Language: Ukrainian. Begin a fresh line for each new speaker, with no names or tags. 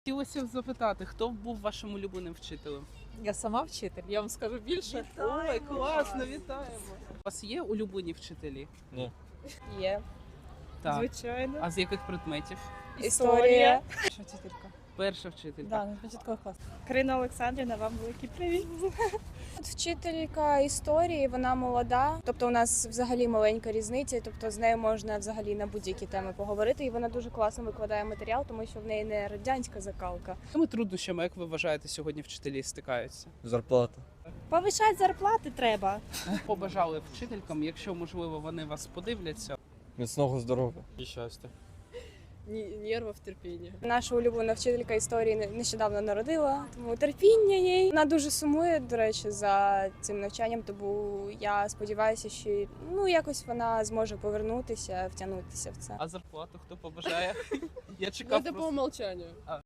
Хотілося б запитати, хто був вашим улюбленим вчителем?
Я сама вчитель, я вам скажу більше.
Ой, класно, вітаємо! У вас є улюблені вчителі?
Ні.
Є.
Так.
Звичайно.
А з яких предметів?
Історія.
Що вчителька?
Перша вчителька.
Да, на початковий клас.
Карина Олександрівна, вам великий привіт.
Вчителька історії, вона молода, тобто у нас взагалі маленька різниця, тобто з нею можна взагалі на будь-які теми поговорити, і вона дуже класно викладає матеріал, тому що в неї не радянська закалка.
З якими труднощами, як ви вважаєте, сьогодні вчителі стикаються?
Зарплата.
Повишати зарплати треба.
Побажали вчителькам, якщо, можливо, вони вас подивляться.
Міцного здоров'я. І щастя.
Нервів, терпіння.
Наша улюблена вчителька історії нещодавно народила, тому терпіння їй. Вона дуже сумує, до речі, за цим навчанням, тому я сподіваюся, що якось вона зможе повернутися, втягнутися в це.
А зарплату хто побажає? Я чекав просто.
умолчанню.